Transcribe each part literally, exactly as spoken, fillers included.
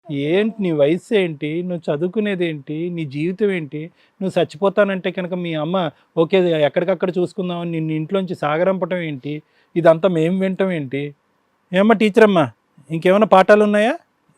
ఏంటి నీ వయసు ఏంటి, నువ్వు చదువుకునేది ఏంటి, నీ జీవితం ఏంటి? నువ్వు చచ్చిపోతానంటే కనుక మీ అమ్మ ఓకే ఎక్కడికక్కడ చూసుకుందామని నిన్ను ఇంట్లోంచి సాగరంపటం ఏంటి? ఇదంతా మేము వింటాం ఏంటి? ఏమ్మా టీచర్ అమ్మా, ఇంకేమైనా పాఠాలు ఉన్నాయా?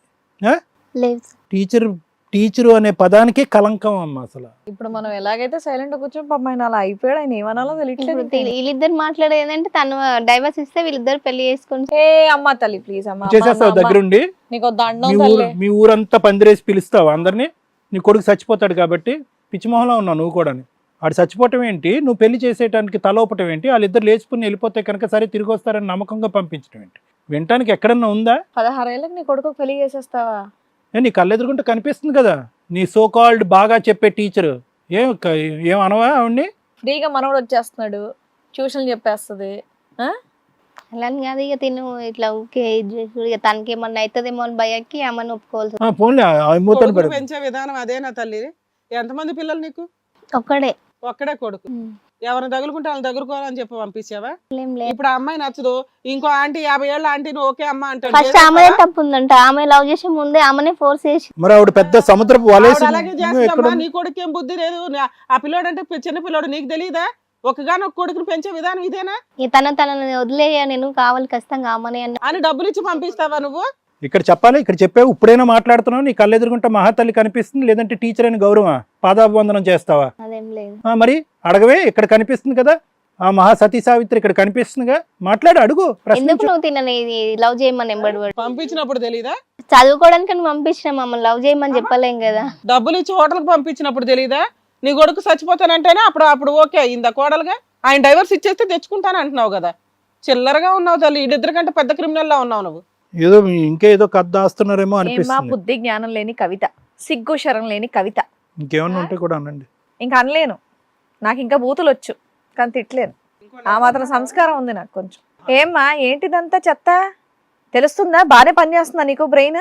ఆ? లేదు సార్. టీచర్ టీచరు అనే పదానికే కలంకం అమ్మ అసలు. ఇప్పుడు మనం ఎలాగైతే సైలెంట్ కూర్చొని పాపం ఆయన అలా అయిపోయాడు, ఆయన ఏమనాలో తెలియట్లేదు. ఇప్పుడు వీళ్ళ- వీళ్ళిద్దరు మాట్లాడేది ఏంటంటే తను డైవర్స్ ఇస్తే వీళ్ళిద్దరు పెళ్లి చేసుకుని ఏ అమ్మ తల్లి ప్లీజ్ అమ్మ, అమ్మ, చేసేస్తావు అమ్మ, దగ్గరుండి? నీకు దండం మీ ఊరు తల్లి. మీ ఊరంతా పందిరేసి పిలుస్తావు అందరినీ? నీ కొడుకు చచ్చిపోతాడు కాబట్టి పిచ్చిమోహంలో ఉన్నావు నువ్వు కూడా. ఆడు చచ్చిపోవటం ఏంటి, నువ్వు పెళ్లి చేసేయడానికి తలోపటం ఏంటి, వాళ్ళిద్దరు లేచిపోయి వెళ్ళిపోతే కనుక సరే తిరిగి వస్తారని నమ్మకంగా పంపించడం ఏంటి? వినటానికి ఎక్కడన్నా ఉందా? పదహారేళ్ళకి నీ కొడుకు పెళ్లి చేసేస్తావా? ఏ నీ కళ్ళెదురుకుంటే కనిపిస్తుంది కదా నీ సో కాల్డ్ బాగా చెప్పే టీచరు. ఏం క- ఏం అనవా ఆవిడ్ని? ఫ్రీగా మనోడు వచ్చేస్తున్నాడు, ట్యూషన్ చెప్పేస్తుంది. ఆ? అలా అని కాదు, ఇక తిను ఇట్లా ఊకే ఇది చేసుడు, ఇక తనకి ఏమన్నా అవుతుందేమో అని భయకి ఆమెను ఒప్పుకోవాల్సి ఆ, పోన్లే మూతలు కొడుకుని పెడదు. పెంచే విధానం అదేనా తల్లి? ఎంతమంది పిల్లలు నీకు? ఒక్కడే. ఒక్కడే కొడుకు. ఎవరిని తగులుకుంటే వాళ్ళని తగులుకోవాలని చెప్పి పంపించావా? ఏం లేదు. ఇప్పుడు ఆ అమ్మాయి నచ్చదు, ఇంకో ఆంటీ యాభై ఏళ్ళ ఆంటీని ఓకే అమ్మ అంటాడు. ఫస్ట్ ఆమెనే తప్పు ఉందంట, ఆమె లవ్ చేసే ముందే ఆమెనే ఫోర్స్ చేసి. మరి ఆవిడ పెద్ద సముద్రపు వలేసి ఆవిడ అలాగే చేస్తుందమ్మా. నీ కొడుకు ఏం బుద్ధి లేదు. నా- ఆ పిల్లోడు అంటే చిన్న పిల్లోడు, నీకు తెలియదా? ఒకగానో ఒక కొడుకుని పెంచే విధానం ఇదేనా? ఇక తన తనని వదిలేయ, నేను కావాలి ఖచ్చితంగా ఆమెనే అన్న. అని డబ్బులు ఇచ్చి పంపిస్తావా నువ్వు? ఇక్కడ చెప్పాలి, ఇక్కడ చెప్పావు, ఇప్పుడైనా మాట్లాడుతున్నావు, నీ కళ్ళెదురుకుంటే మహాతల్లి కనిపిస్తుంది, లేదంటే టీచర్ అని గౌరవం పాదాభివందనం చేస్తావా? అదేం లేదు. ఆ, మరి అడగవే, ఇక్కడ కనిపిస్తుంది కదా ఆ మహా సతీ సావిత్రి, ఇక్కడ కనిపిస్తుందిగా, మాట్లాడు, అడుగు, ఎందుకు ప్రశ్నించు. నువ్వు తినని లవ్ చేయమని ఎంబడి పడు? పంపించినప్పుడు తెలీదా? చదువుకోవడానికి నువ్వు పంపించిన మమ్మల్ని లవ్ చేయమని చెప్పలేం కదా. డబ్బులు ఇచ్చి హోటల్కి పంపించినప్పుడు తెలీదా? నీ కొడుకు చచ్చిపోతానంటేనే అప్పుడు అప్పుడు ఓకే అయిందా కోడలుగా? ఆయన డైవర్స్ ఇచ్చేస్తే తెచ్చుకుంటాను అంటున్నావు కదా. చిల్లరగా ఉన్నావు తల్లి, ఇద్దరి కంటే పెద్ద క్రిమినల్ లా ఉన్నావు నువ్వు. ఏదో ఇంకేదో కథ దాస్తున్నారేమో ఏమా అనిపిస్తుంది. బుద్ధి జ్ఞానం లేని కవిత, సిగ్గు శరం లేని కవిత. ఇంకేమన్నా ఉంటే కూడా అనండి. ఇంకా అనలేను, నాకు ఇంకా బూతులు వచ్చు కానీ తిట్టలేను. ఆ మాత్రం సంస్కారం ఉంది నాకు కొంచెం. ఏమ్మా ఏంటిదంతా చెత్త? తెలుస్తుందా? బాగానే పని చేస్తుందా నీకు బ్రెయిన్?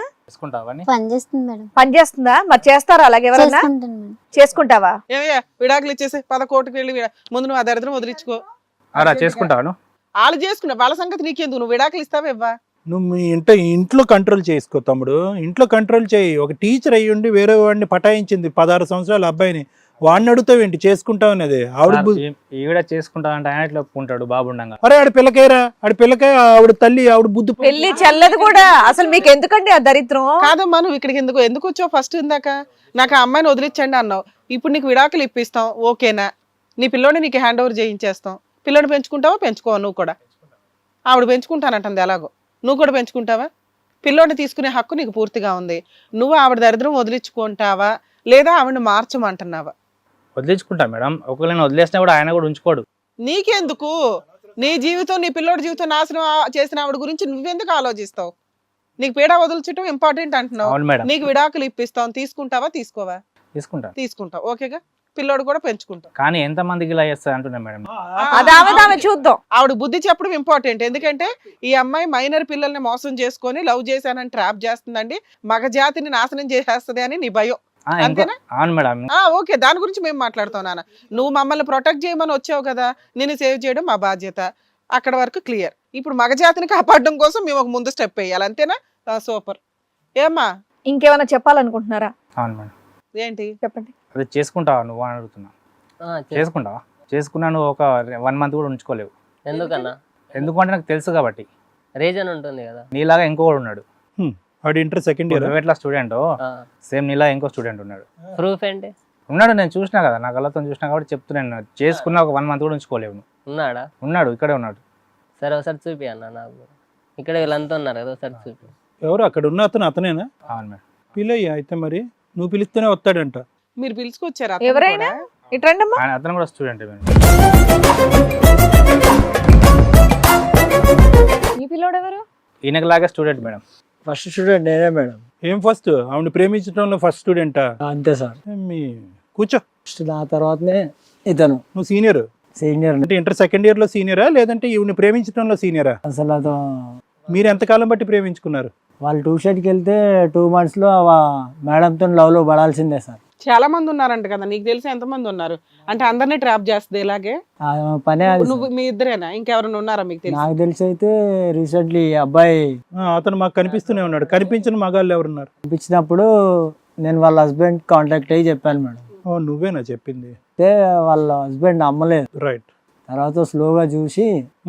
పని చేస్తుంది మేడం. పని చేస్తుందా? మరి చేస్తారా అలాగే ఎవరన్నా? చేసుకుంటాను మేడం. చేసుకుంటావా? ఏమయ్యా విడాకులు ఇచ్చేసి పద కోటికి వెళ్ళి విడా- ముందు నువ్వు ఆ దరిద్రం వదిలించుకో. అలా చేసుకుంటాను. వాళ్ళు చేసుకున్నా వాళ్ళ సంగతి నీకెందుకు? నువ్వు విడాకులు ఇస్తావా ఇవ్వా? నువ్వు మీ ఇంట ఇంట్లో కంట్రోల్ చేసుకో తమ్ముడు, ఇంట్లో కంట్రోల్ చేయి. ఒక టీచర్ అయ్యి ఉండి వేరే వాడిని పటాయించింది పదహారు సంవత్సరాల అబ్బాయిని, వాడిని అడుగుతావు ఏంటి చేసుకుంటావు అనేది? ఆవిడ బు- ఈవిడ చేసుకుంటా అంటే ఆయన ఎట్లా ఒప్పుకుంటాడు బాబుండంగా? అరే ఆడి పిల్లకాయరా, ఆడి పిల్లకాయ, ఆవిడ తల్లి, ఆవిడ బుద్ధి. పెళ్లి చెల్లదు కూడా. అసలు మీకు ఎందుకండి ఆ దరిద్రం? కాదమ్మా, నువ్వు ఇక్కడికి ఎందుకు ఎందుకు వచ్చావు? ఫస్ట్ ఇందాక నాకు ఆ అమ్మాయిని వదిలించండి అన్నావు, ఇప్పుడు నీకు విడాకులు ఇప్పిస్తాం ఓకేనా? నీ పిల్లోని నీకు హ్యాండ్ ఓవర్ చేయించేస్తాం. పిల్లోని పెంచుకుంటావా పెంచుకోవా? నువ్వు కూడా ఆవిడ పెంచుకుంటానంటుంది, ఎలాగో నువ్వు కూడా పెంచుకుంటావా? పిల్లోని తీసుకునే హక్కు నీకు పూర్తిగా ఉంది. నువ్వు ఆవిడ దరిద్రం వదిలించుకుంటావా లేదా ఆవిడని మార్చమంటున్నావా? వదిలించుకుంటా మేడం. ఒకవేళ వదిలేసినా కూడా ఆయన కూడా ఉంచుకోడు. నీకెందుకు? నీ జీవితం నీ పిల్లోడి జీవితం నాశనం ఆ- చేసిన ఆవిడ గురించి నువ్వెందుకు ఆలోచిస్తావు? నీకు పీడ వదిలించడం ఇంపార్టెంట్ అంటున్నావు. అవును మేడం, నీకు విడాకులు ఇప్పిస్తాం, తీసుకుంటావా తీసుకోవా? తీసుకుంటా. తీసుకుంటావు ఓకేగా, పిల్లోడు కూడా పెంచుకుంటావు. కానీ ఎంత మందికి ఇలా చేస్తా అంటున్నా మేడం. అది ఆమె ఆమె చూద్దాం. ఆవిడ బుద్ధి చెప్పడం ఇంపార్టెంట్. ఎందుకంటే ఈ అమ్మాయి మైనర్ పిల్లల్ని మోసం చేసుకొని లవ్ చేశానని ట్రాప్ చేస్తుందండి, మగ జాతిని నాశనం చేసేస్తుంది అని నీ భయం. ఆ, ఇంకో- అంతేనా? అవును మేడం. ఆ ఓకే, దాని గురించి మేము మాట్లాడుతాం నాన్న. నువ్వు మమ్మల్ని ప్రొటెక్ట్ చేయమని వచ్చావు కదా, నేను సేవ్ చేయడం మా బాధ్యత. అక్కడ వరకు క్లియర్. ఇప్పుడు మగ జాతిని కాపాడడం కోసం మేము ఒక ముందు స్టెప్ వేయాలి, అంతేనా? సూపర్. ఏమ్మా ఇంకేమైనా చెప్పాలనుకుంటున్నారా? అవును మేడం. ఏంటి? చెప్పండి. అది చేసుకుంటావా నువ్వు అని అడుగుతున్నా. చేసుకుంటావా? చేసుకున్నా నువ్వు ఒక వన్ మంత్ కూడా ఉంచుకోలేవు. ఎందుకన్నా? ఎందుకంటే నాకు తెలుసు కాబట్టి. రీజన్ ఉంటుంది కదా. నీలాగా ఇంకొకడు ఉన్నాడు. వాడు ఇంటర్ సెకండ్ ఇయర్. నువ్వు ఎట్లా స్టూడెంట్ సేమ్ నీలా ఇంకో స్టూడెంట్ ఉన్నాడు. ప్రూఫ్ ఏంటి? ఉన్నాడు, నేను చూసినా కదా, నా కళ్ళతో చూసినా కాబట్టి చెప్తున్నాను. చేసుకున్న ఒక వన్ మంత్ కూడా ఉంచుకోలేవు నువ్వు. ఉన్నాడా? ఉన్నాడు, ఇక్కడే ఉన్నాడు. సరే ఒకసారి చూపి అన్న నాకు. ఇక్కడ వీళ్ళంతా ఉన్నారు కదా, ఒకసారి చూపి. ఎవరు అక్కడ ఉన్న అతను? అతనేనా? అవును మేడం. పిల్లయ్యా అయితే మరి నువ్వు పిలిస్తేనే వస్తాడంట. మీరు పిలుచుకొచ్చారా? ఎవరైనా ఇట్రండమ్మా. ఆయన అతను కూడా స్టూడెంట్ మేడం. ఈ పిల్లోడు ఎవరు? ఈయనకి లాగా స్టూడెంట్ మేడం. ఫస్ట్ స్టూడెంట్ నేనే మేడం. ఏం ఫస్ట్? ఆవిడ ప్రేమించడంలో ఫస్ట్ స్టూడెంటా? అంతే సార్. మీ కూర్చో. ఫస్ట్ నా తర్వాతనే ఇతను నువ్వు సీనియర్ సీనియర్. అంటే ఇంటర్ సెకండ్ ఇయర్ లో సీనియరా, లేదంటే ఈవిని ప్రేమించడంలో సీనియరా? అసలు అతను మీరు ఎంతకాలం బట్టి ప్రేమించుకున్నారు? వాళ్ళు ట్యూషన్కి వెళ్తే టూ మంత్స్లో మేడంతో లవ్లో పడాల్సిందే సార్. చాలా మంది ఉన్నారంట కదా, నీకు తెలిసి ఎంత మంది ఉన్నారు? అంటే అందరినీ ట్రాప్ చేస్తుంది ఇలాగే? ఆమె పనే అది నువ్వు మీ ఇద్దరేనా, ఇంకెవరైనా ఉన్నారా మీకు తెలిసి? నాకు తెలిసి అయితే రీసెంట్లీ అబ్బాయి ఆ, అతను మాకు కనిపిస్తూనే ఉన్నాడు. కనిపించిన మగాళ్ళు ఎవరున్నారు? పంపించినప్పుడు నేను వాళ్ళ హస్బెండ్ కాంటాక్ట్ అయ్యి చెప్పాను మేడం. ఓ నువ్వేనా చెప్పింది? అయితే వాళ్ళ హస్బెండ్ నమ్మలేదు. రైట్. తర్వాత స్లోగా చూసి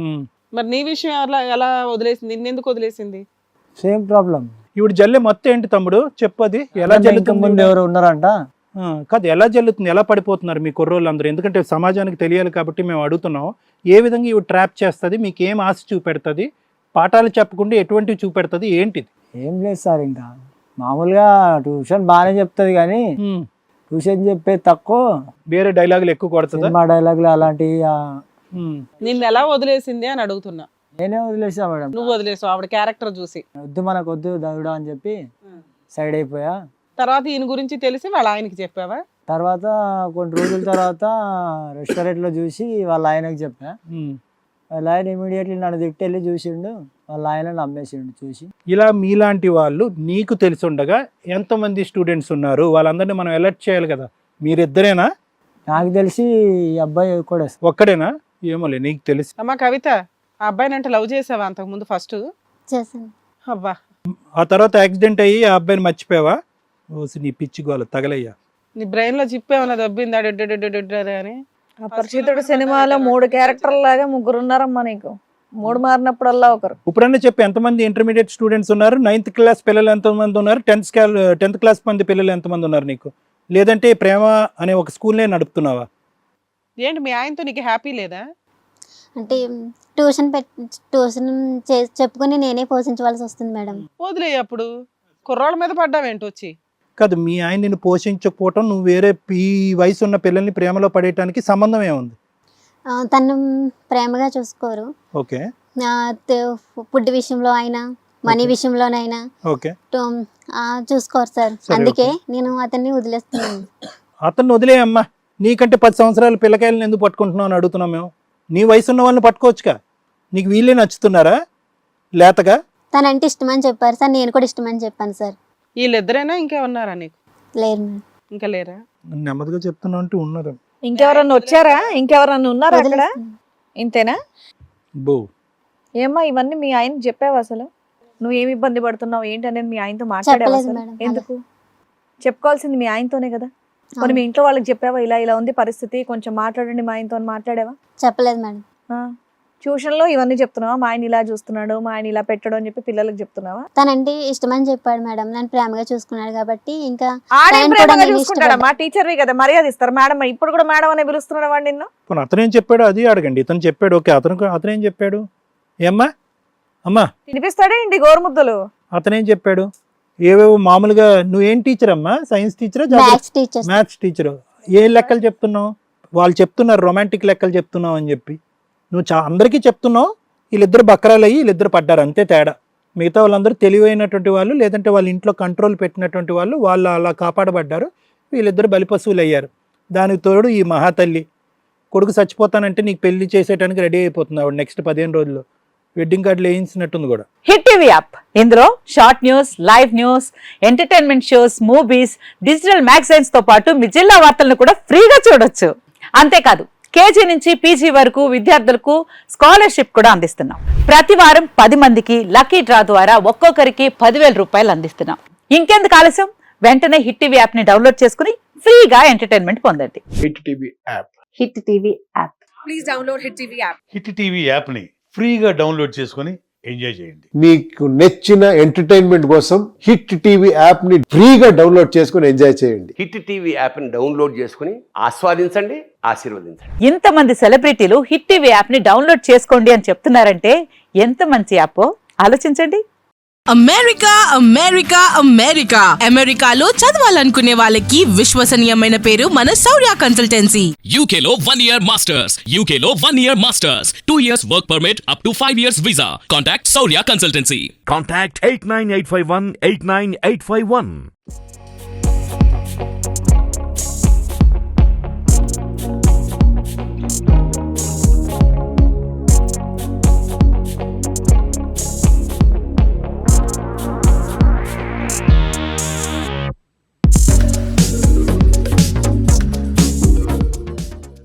మరి నీ విషయం ఎలా ఎలా వదిలేసింది, నిన్నెందుకు వదిలేసింది? Same problem. ఇప్పుడు జల్లే మొత్తం ఏంటి తమ్ముడు చెప్పు, అది ఎలా ఇంకా జల్లుతుంది? ముందు ఎవరు ఉన్నారంట. ఆ, కాదు ఎలా జల్లుతుంది, ఎలా పడిపోతున్నారు మీ కుర్రోళ్ళు అందరూ? ఎందుకంటే సమాజానికి తెలియాలి కాబట్టి మేము అడుగుతున్నాం. ఏ విధంగా ఇవి ట్రాప్ చేస్తుంది, మీకు ఏం ఆశ చూపెడుతుంది, పాఠాలు చెప్పకుండా ఎటువంటివి చూపెడుతుంది, ఏంటిది? ఏం లేదు సార్, ఇంకా మామూలుగా ట్యూషన్ బాగానే చెప్తుంది కానీ ఉమ్, ట్యూషన్ చెప్పేది తక్కువ, వేరే డైలాగులు ఎక్కువ కొడుతుందా? సినిమా డైలాగులు అలాంటివి ఆ, ఉమ్, నిన్ను ఎలా వదిలేసింది అని అడుగుతున్నా. నేనే వదిలేసా మేడం. నువ్వు వదిలేసావు ఆవిడ క్యారెక్టర్ చూసి. వద్దు మనకు వద్దు దవిడా అని చెప్పి సైడ్ అయిపోయా. తర్వాత ఈయన గురించి తెలిసి వాళ్ళ ఆయనకి చెప్పావా? తర్వాత కొన్ని రోజుల తర్వాత రెస్టారెంట్లో చూసి వాళ్ళ ఆయనకి చెప్పా. ఉమ్. వాళ్ళ ఆయన ఇమీడియట్లీ నన్ను తిట్టి వెళ్ళి చూసిండు, వాళ్ళ ఆయన నమ్మేసిండు చూసి. ఇలా మీలాంటి వాళ్ళు నీకు తెలిసి ఉండగా ఎంతమంది స్టూడెంట్స్ ఉన్నారు? వాళ్ళందరినీ మనం అలర్ట్ చేయాలి కదా. మీరిద్దరేనా? నాకు తెలిసి ఈ అబ్బాయి కూడా ఒక్కడేనా? ఏమోలే నీకు తెలిసి. అమ్మా కవిత, ఆ అబ్బాయిని అంటే లవ్ చేసావా అంతకు ముందు ఫస్ట్? చేశాను. అబ్బా, ఆ తర్వాత యాక్సిడెంట్ అయ్యి ఆ అబ్బాయిని మర్చిపోయావా? ఓసి నీ పిచ్చి గోల తగలయ్యా. నీ బ్రెయిన్ లో జిప్ ఏమన్నా దబ్బిందా డెడ్డెడ్డెడ్డెడ్డె అని? అపరిచితుడు సినిమాలో మూడు క్యారెక్టర్ లాగా ముగ్గురు ఉన్నారమ్మా నీకు. మూడు మారినప్పుడల్లా ఒకరు. ఇప్పుడన్నా చెప్పి ఎంతమంది ఇంటర్మీడియట్ స్టూడెంట్స్ ఉన్నారు, నైన్త్ క్లాస్ పిల్లలు ఎంతమంది ఉన్నారు, టెన్త్ టెన్త్ క్లాస్ మంది పిల్లలు ఎంతమంది ఉన్నారు నీకు? లేదంటే ప్రేమ అనే ఒక స్కూల్నే నడుపుతున్నావా? ఏంటి మీ ఆయనతో నీకు హ్యాపీ లేదా? అంటే ట్యూషన్ పెట్ ట్యూషన్ చే- చెప్పుకొని నేనే పోషించవలసి వస్తుంది మేడం. వదిలే, అప్పుడు కుర్రాళ్ళ మీద పడ్డావేంటి వచ్చి? కాదు, మీ ఆయన నిన్ను పోషించకపోవటం, నువ్వు వేరే ఈ వయసు ఉన్న పిల్లల్ని ప్రేమలో పడేయటానికి సంబంధం ఏముంది? ఆ, తను ప్రేమగా చూసుకోరు. ఓకే ఆ, తే- ఫుడ్ విషయంలో అయినా మనీ Okay. విషయంలోనైనా ఓకే టు- ఆ, చూసుకోరు సార్. సరే, అందుకే నేను అతన్ని వదిలేస్తున్నాను. అతన్ని వదిలేయమ్మా. నీకంటే పది సంవత్సరాల పిల్లకాయలను ఎందుకు పట్టుకుంటున్నావు అని అడుగుతున్నాం మేము. నీ వయసు ఉన్న వాళ్ళని పట్టుకోవచ్చుగా. నీకు వీళ్ళే నచ్చుతున్నారా లేతగా? తనంటే ఇష్టమని చెప్పారు సార్, నేను కూడా ఇష్టమని చెప్పాను సార్. వీళ్ళిద్దరైనా ఇంకా ఉన్నారా నీకు? లేరు మేడం. ఇంకా లేరా? నెమ్మదిగా చెప్తున్నా అంటూ ఉన్నారు. ఇంకెవరన్నా వచ్చారా? ఇంకెవరన్నా ఉన్నారా అక్కడ? వదిలేస్తున్నాను. ఇంతేనా? బో ఏమ్మా ఇవన్నీ మీ ఆయనకి చెప్పావు? అసలు నువ్వు ఏమి ఇబ్బంది పడుతున్నావు ఏంటి అనేది మీ ఆయనతో మాట్లాడావు? చెప్పలేదు అసలు మేడం. ఎందుకు చెప్పుకోవాల్సింది మీ ఆయనతోనే కదా. మరి మీ ఇంట్లో వాళ్ళకి చెప్పావా ఇలా ఇలా ఉంది పరిస్థితి, కొంచెం మాట్లాడండి మా ఆయనతో అని మాట్లాడావా? చెప్పలేదు మేడం. ట్యూషన్ లో ఇవన్నీ చెప్తున్నావా? మా ఆయన ఇలా చూస్తున్నాడు, మా ఆయన ఇలా పెట్టాడు అని చెప్పి పిల్లలకి చెప్తున్నావా? తనంటే ఇష్టమని చెప్పాడు మేడం. నన్ను ప్రేమగా చూసుకున్నాడు కాబట్టి ఇంకా ఆడే ఆయన కూడా ప్రేమగా నేను చూసుకుంటాడా? ఇష్టపడ్డా. మా టీచర్వి కదా, మర్యాద ఇస్తారు. మేడం ఇప్పుడు కూడా మేడం అనే పిలుస్తున్నాడు వాడు నిన్ను. పోనీ అతనేం చెప్పాడు అది అడగండి. ఇతను చెప్పాడు, ఓకే. అతను అతనేం చెప్పాడు? ఏమ్మా అమ్మా, తినిపిస్తాడే ఇంటి గోరుముద్దలు. అతనేం చెప్పాడు? ఏవేవో మామూలుగా. నువ్వేం టీచర్ అమ్మా? సైన్స్ టీచరా? Maths teacher. Maths teacher. ఏ లెక్కలు చెప్తున్నావు? వాళ్ళు చెప్తున్నారు రొమాంటిక్ లెక్కలు చెప్తున్నావు అని చెప్పి. నువ్వు చా అందరికీ చెప్తున్నావు. వీళ్ళిద్దరు బక్రాలు అయ్యి వీళ్ళిద్దరు పడ్డారు, అంతే తేడా. మిగతా వాళ్ళందరూ తెలివైనటువంటి వాళ్ళు, లేదంటే వాళ్ళ ఇంట్లో కంట్రోల్ పెట్టినటువంటి వాళ్ళు, వాళ్ళు అలా కాపాడబడ్డారు. వీళ్ళిద్దరు బలిపశువులు అయ్యారు. దానికి తోడు ఈ మహాతల్లి కొడుకు చచ్చిపోతానంటే నీకు పెళ్లి చేసేయడానికి రెడీ అయిపోతుంది ఆవిడ నెక్స్ట్ పదిహేను రోజుల్లో. వెడ్డింగ్ కార్డులు వేయించినట్టుంది కూడా. హిట్ టీవీ యాప్, ఇందులో short news, live news, entertainment shows, movies, digital magazines తో పాటు మీ జిల్లా వార్తలను కూడా ఫ్రీగా చూడొచ్చు. అంతేకాదు కేజీ నుంచి పీజీ వరకు విద్యార్థులకు స్కాలర్షిప్ కూడా అందిస్తున్నాం. ప్రతి వారం పది మందికి లక్కీ డ్రా ద్వారా ఒక్కొక్కరికి పదివేల రూపాయలు అందిస్తున్నాం. ఇంకెందుకు ఆలస్యం, వెంటనే హిట్ టీవీ యాప్ ని డౌన్లోడ్ చేసుకుని ఫ్రీగా ఎంటర్టైన్మెంట్ పొందండి. Hit TV app. Hit TV app. Please download hit TV app. Hit TV యాప్ని ఫ్రీగా డౌన్లోడ్ చేసుకొని ఎంజాయ్ చేయండి. మీకు నచ్చిన ఎంటర్టైన్మెంట్ కోసం హిట్ టీవీ యాప్ ని ఫ్రీగా డౌన్లోడ్ చేసుకొని ఎంజాయ్ చేయండి. హిట్ టీవీ యాప్ని డౌన్లోడ్ చేసుకుని ఆస్వాదించండి, ఆశీర్వదించండి. ఇంతమంది సెలబ్రిటీలు హిట్ టీవీ యాప్ ని డౌన్లోడ్ చేసుకోండి అని చెప్తున్నారంటే ఎంత మంచి యాప్ ఆలోచించండి. అమెరికా అమెరికా అమెరికా అమెరికాలో చదవాలనుకునే వాళ్ళకి విశ్వసనీయమైన పేరు మన శౌర్య కన్సల్టెన్సీ. యూకేలో వన్ ఇయర్ మాస్టర్స్, యూకేలో one year masters, two years work permit, up to five years visa. Contact Shaurya consultancy. Contact eight nine eight five one eight nine eight five one.